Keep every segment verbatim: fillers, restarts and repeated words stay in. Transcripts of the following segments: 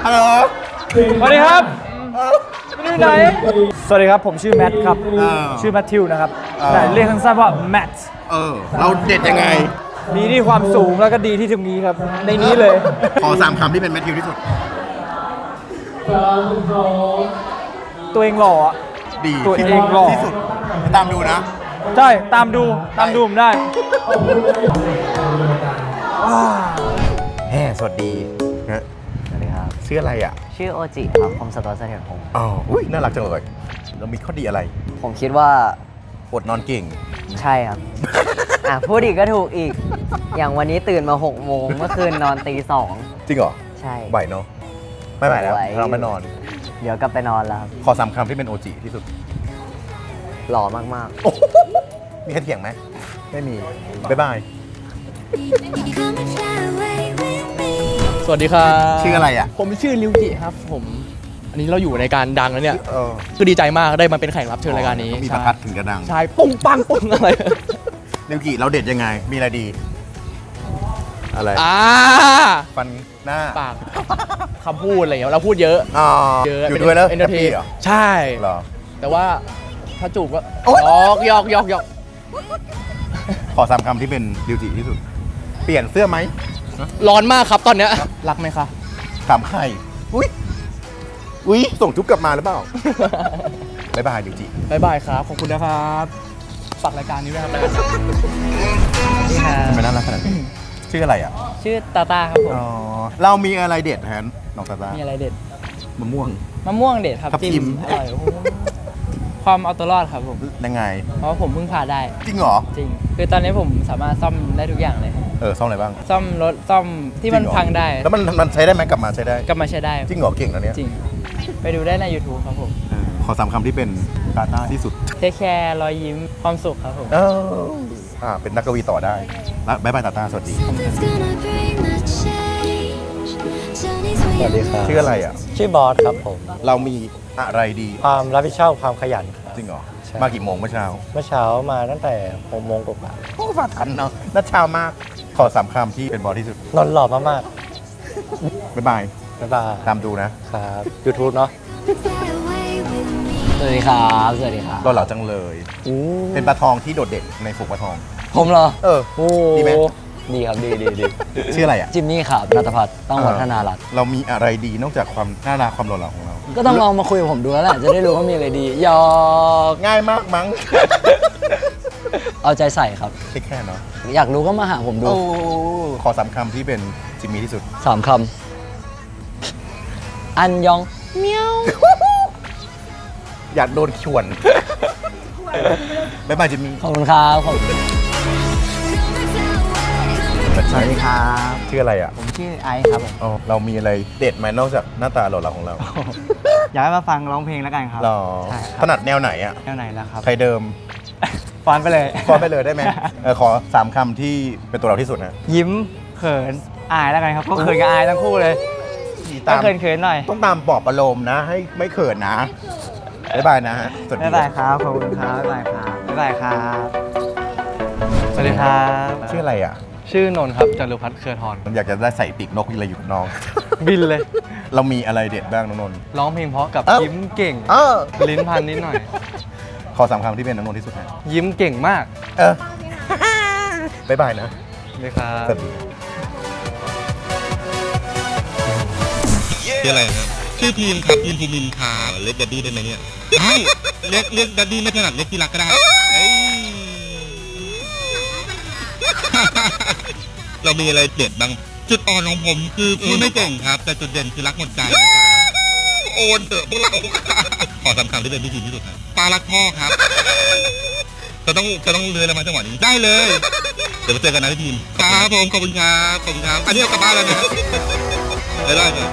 ฮัลโหลสวัสดีครับไม่ได้ไหนสวัสดีครับผมชื่อแมทครับชื่อแมทธิวนะครับแต่เรียกสั้นๆว่าแมทเออเราเด็ดยังไงดีที่ความสูงแล้วก็ดีที่ตรงนี้ครับในนี้เลยขอสามคำที่เป็นแมทธิวที่สุดตัวเองหล่ออ่ะดีตัวเองหล่อที่สุดตามดูนะใช่ตามดูตามดูผมได้แฮ่สวัสดีนะสวัสดีครับชื่ออะไรอ่ะชื่อโอจิครับคมสตอร์เสถียรพงศ์อ๋ออุ้ยน่ารักจังเลยเรามีข้อดีอะไรผมคิดว่าอดนอนเก่งใช่ครับ อ่ะพูดอีกก็ถูกอีก อย่างวันนี้ตื่นมาหกโมงเมื่อคืนนอนตีสองจริงเหรอใช่บ่ายเนาะไม่บ่ายแล้วเราไม่นอนเดี๋ยวกลับไปนอนแล้วครับขอสามคำที่เป็นโอจิที่สุดหล่อมากๆมีใครเถียงไหมไม่มีบ๊ายบายสวัสดีครับชื่ออะไรอ่ะผมชื่อริวจิครับผมอันนี้เราอยู่ในการดังแล้วเนี่ยเออคือดีใจมากได้มาเป็นแขกรับเชิญรายการนี้มีประทัดถึงจะดังใช่ปุ้งปังปุ้งอะไรริวจิเราเด็ดยังไงมีอะไรดีอะไรอ่าฟันหน้าปากคำพูดอะไรอย่างเงี้ยเราพูดเยอะอ๋ออยู่ด้วยแล้วเอนเตอร์เทนใช่เหรอแต่ว่าถ้าจูบก็ยอกยอกยอกยอกขอสามคำที่เป็นริวจิที่สุดเปลี่ยนเสื้อไหมร้อนมากครับตอนเนี้ยรักไหมคะถามใครอุ้ยอุ้ยส่งจุ๊บกลับมาหรือเปล่าบ๊ายบายริวจิบ๊ายบายครับขอบคุณนะครับฝากรายการนี้ด้วยครับทำไมน่ารักขนาดนี้ชื่ออะไรอ่ะชื่อตาตาครับผมอ๋อเรามีอะไรเด็ดแทนน้องตาตามีอะไรเด็ดมะม่วงมะม่วงเด็ดครับจิ้มอร่อยความเอาตัวรอดครับผมยังไงเพราะผมเพิ่งพาได้จริงเหรอจริงคือตอนนี้ผมสามารถซ่อมได้ทุกอย่างเลยเออซ่อมอะไรบ้างซ่อมรถซ่อมที่มันพังได้แล้วมันมันใช้ได้ไหมกลับมาใช้ได้กลับมาใช้ได้จริงเหรอเก่งนะเนี้ยจริงไปดูได้ใน ยูทูบ ครับผมขอสามคำที่เป็นตาตาที่สุดเทคแคร์รอยยิ้มความสุขครับผมเอออ่าเป็นนักกวีต่อได้แล้วบ๊ายบายตาตาสวัสดีสวัสดีครับชื่ออะไรอ่ะชื่อบอสครับผมเรามีอะไรดีความรับผิดชอบความขยันจริงเหรอมากี่โมงเมื่อเช้าเมื่อเช้ามาตั้งแต่หกโมงกว่าโอ้มาทันเนาะนัดเช้ามากขอสามคำที่เป็นบอสที่สุดนอนหล่อมากบ๊ายบายบ๊ายบายตามดูนะครับยูทูบ เนาะสวัสดีครับสวัสดีครับรอเหล่าจังเลยเป็นปลาทองที่โดดเด่นในฝูงปลาทองผมเหรอเออดีไหมดีครับดีดีดีชื่ออะไรอ่ะจิมมี่ครับณัฐพัฒน์ต้องวัฒนารัตน์เรามีอะไรดีนอกจากความน่ารักความหล่อเหลาของเราก็ต้องลองมาคุยกับผมดูแล้วแหละจะได้รู้ว่ามีอะไรดียอง่ายมากมั้งเอาใจใส่ครับแค่เนาะอยากรู้ก็มาหาผมดูขอสามคำที่เป็นจิมมี่ที่สุดสามคำอันยองเมียวอยากโดนข่วนบ๊ายบายจิมมี่ขอบคุณครับขอบคุณสวัสดีครับชื่ออะไรอ่ะผมชื่อไอซ์ครับผมอ๋อเรามีอะไรเด็ดไหมนอกจากหน้าตาหล่อเหลาของเราอยากให้มาฟังร้องเพลงแล้วกันครับหรอถนัดแนวไหนอ่ะแนวไหนล่ะครับใครเดิมฟอนไปเลยฟอนไปเลยได้ไหมเออขอสามคำที่เป็นตัวเราที่สุดนะยิ้มเขินอายแล้วกันครับก็เขินกับอายทั้งคู่เลยต้องเขินเขินหน่อยต้องตามปลอบประโลมนะให้ไม่เขินนะบ๊ายบายนะฮะสวัสดีบ๊ายบายครับขอบคุณครับบ๊ายบายครับบ๊ายบายครับสวัสดีครับชื่ออะไรอ่ะชื่อนนท์ครับจารุพัฒน์เครือทรผมอยากจะได้ใส่ปีกนกอะไรอยู่น้องบินเลยเรามีอะไรเด็ดบ้างน้องนนท์ร้องเพลงเพราะกับยิ้มเก่งลิ้นพันนิดหน่อยขอสามคำที่เป็นน้องนนท์ที่สุดนะยิ้มเก่งมากเออบ๊ายบายนะเลยครับชื่ออะไรครับชื่อพีมครับพีมภูมินค่ะเรียกดัดดี้ได้ไหมเนี่ยเรียกเรียกดัดดี้ไม่ถนัดเรียกที่รักก็ได้เรามีอะไรเด็ดบ้างจุดอ่อนของผมคือพูดไม่เก่งครับแต่จุดเด่นคือรักหมดใจโอนเถอะพวกเราขอสามคำที่เป็นพิธีที่สุดครับปลารักพ่อครับจะต้องจะต้องเลื้อยแล้วมาจังหวะนี้ได้เลยเดี๋ยวมาเจอกันนะพี่ทีมครับผมขอบคุณครับขอบคุณครับอันนี้เอากลับบ้านแล้วนะได้ได้เลย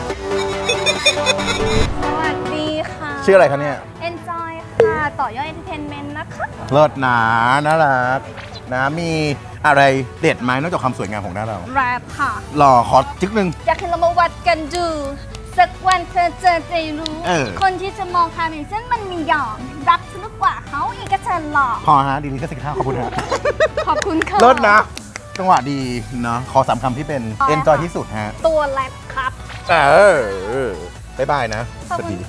สวัสดีค่ะชื่ออะไรคะเนี่ย Enjoy ค่ะต่อยอด Entertainment นะคะเลิศหนาน่ารักนะมีอะไรเด็ดไหมนอกจากความสวยงามของหน้าเราแรปค่ะหล่อขอจิ๊กนึงอยากให้เรามาวัดกันดูสักวันเธอเจอจะรู้คนที่จะมองคาเมนเส้นมันมีหยองรักสนุกกว่าเขาอีกก็เชิญหล่อพอฮะดีลีก็สิบห้าขอบคุณฮะขอบคุณค่ะเลิศนะจังหวะดีเนาะขอสามคำที่เป็น enjoy ที่สุดฮะตัวแรปครับเออบ๊ายบายนะขอบสวัสคุณดี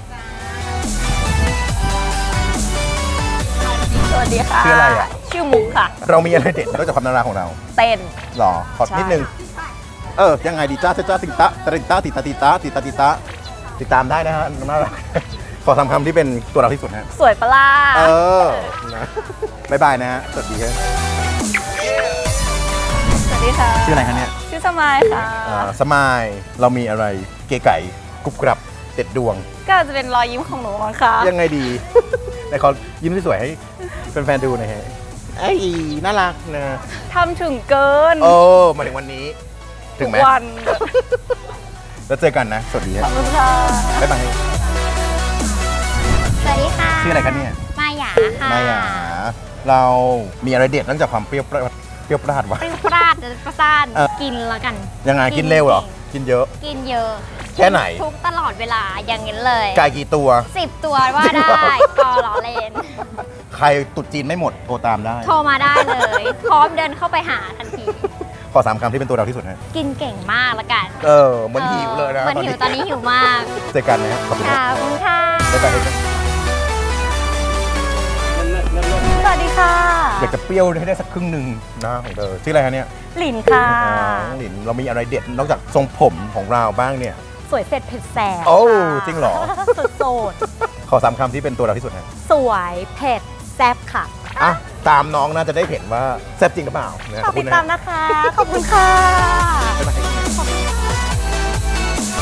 สวัสดีค่ะชื่ออะไรอะชื่อมุกค่ะเรามีอะไรเด็ดนอกจากความน่ารักของเราเต้นหรอ ขอใช่นิดนึง เออ ยังไงดีจ้าจ้าติตะติตะติตะติตะติตะติตะติดตามได้นะฮะน่ารัก ขอทำคำที่เป็นตัวเราที่สุดฮะสวยปะล่ะเออนะบ๊ายบายนะฮะ สวัสดีครับสวัสดีค่ะชื่ออะไรคะเนี่ยชื่อสมายค่ะอ่าสมาย เรามีอะไรเก๋ไก่กรุบกรับเด็ดดวงก็จะเป็นรอยยิ้มของหนูมั้งคะยังไงดี ในขอยิ้มสวยๆให้แฟนๆดูหน่อยฮะไอ้ยน่ารักนะทำถึงเกินโอ้มาถึงวันนี้ ถึงไหมทุกวันแล้วเจอกันนะ สวัสดีขคอรับบ คุณค่ะบ๊ายบายสวัสดีค่ะชื่ออะไรกันเนี่ยมายาค่ะมายาเรามีอะไรเด็ดนอกจากความเปรี้ยวปราดเปรี้ยวปราดวะปริ้วปราดประสานเออกินแล้วกันยังไงกิกินนเร็วเหรอจริงกินเยอะกินเยอะแค่ไหนทุกตลอดเวลาอย่างนี้เลยไก่กี่ตัวสิบตัวว่าได้พอล้อเล่นใครตุดจีนไม่หมดโทรตามได้โทรมาได้เลย พร้อมเดินเข้าไปหาทันทีขอสามคำที่เป็นตัวเราที่สุดฮะกินเก่งมากละกันเออเหมือนหิวเลยนะเหมือนหิวตอนนี้หิวมากเจอกันนะฮะขอบคุณขครัอบคุณค่ะบ๊ายบายครับสวัสดีค่ะอยากจะเปรี้ยวให้ได้สักครึ่งหนึ่งนะของเธอชื่ออะไรคะเนี่ยหลินค่ะอ๋อหลินเรามีอะไรเด็ดนอกจากทรงผมของเราบ้างเนี่ยสวยเสร็จเผ็ดแสบโอ้ค่ะจริงเหรอสุดโสดขอสามคำที่เป็นตัวเราที่สุดฮะสวยเผ็ดแซ่บค่ะอ่ะตามน้องน่าจะได้เห็นว่าแซ่บจริงหรือเปล่านะฝากคุติณดนะตามนะคะ ขอบคุณค่ะบ๊ายบายขอบคุณ